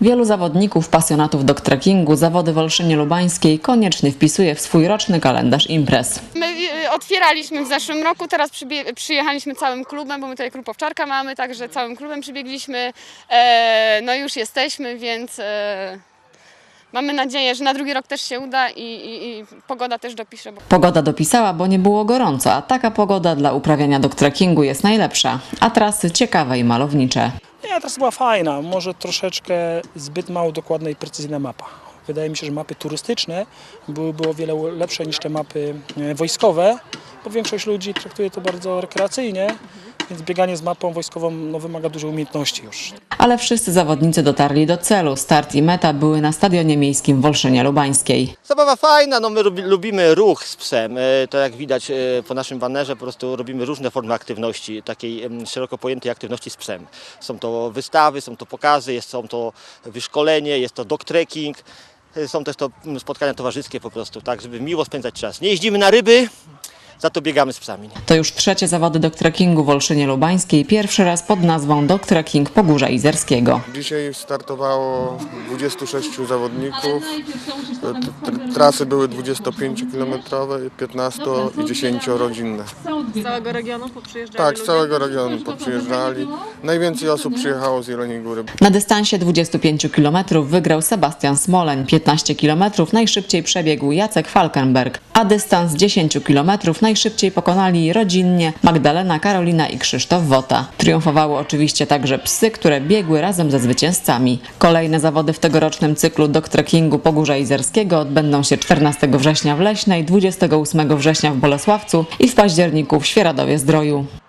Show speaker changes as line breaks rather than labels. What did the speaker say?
Wielu zawodników, pasjonatów dog trekkingu zawody w Olszynie Lubańskiej koniecznie wpisuje w swój roczny kalendarz imprez.
My otwieraliśmy w zeszłym roku, teraz przyjechaliśmy całym klubem, bo my tutaj klub Owczarka mamy, także całym klubem przybiegliśmy. No już jesteśmy, więc mamy nadzieję, że na drugi rok też się uda i pogoda też dopisze.
Pogoda dopisała, bo nie było gorąco, a taka pogoda dla uprawiania dog trekkingu jest najlepsza, a trasy ciekawe i malownicze.
Nie, trasa była fajna, może troszeczkę zbyt mało dokładna i precyzyjna mapa. Wydaje mi się, że mapy turystyczne byłyby o wiele lepsze niż te mapy wojskowe, bo większość ludzi traktuje to bardzo rekreacyjnie, więc bieganie z mapą wojskową wymaga dużej umiejętności już.
Ale wszyscy zawodnicy dotarli do celu. Start i meta były na stadionie miejskim w Olszynie Lubańskiej.
Zabawa fajna, no my lubimy ruch z psem. To jak widać po naszym banerze, po prostu robimy różne formy aktywności, takiej szeroko pojętej aktywności z psem. Są to wystawy, są to pokazy, są to wyszkolenie, jest to dog trekking, są też to spotkania towarzyskie po prostu, tak, żeby miło spędzać czas. Nie jeździmy na ryby, za to biegamy z psami.
To już trzecie zawody dog trekkingu w Olszynie Lubańskiej, pierwszy raz pod nazwą Dog Trekking Pogórza Izerskiego.
Dzisiaj startowało 26 zawodników. Trasy były 25-kilometrowe, 15 i 10-rodzinne.
Z całego regionu poprzyjeżdżali?
Tak, z całego regionu poprzyjeżdżali. Najwięcej osób przyjechało z Jeleniej Góry.
Na dystansie 25 km wygrał Sebastian Smoleń, 15 km najszybciej przebiegł Jacek Falkenberg, a dystans 10 km najszybciej pokonali rodzinnie Magdalena, Karolina i Krzysztof Wota. Triumfowały oczywiście także psy, które biegły razem ze zwycięzcami. Kolejne zawody w tegorocznym cyklu dog trekkingu Pogórza Izerskiego odbędą się 14 września w Leśnej, 28 września w Bolesławcu i w październiku w Świeradowie-Zdroju.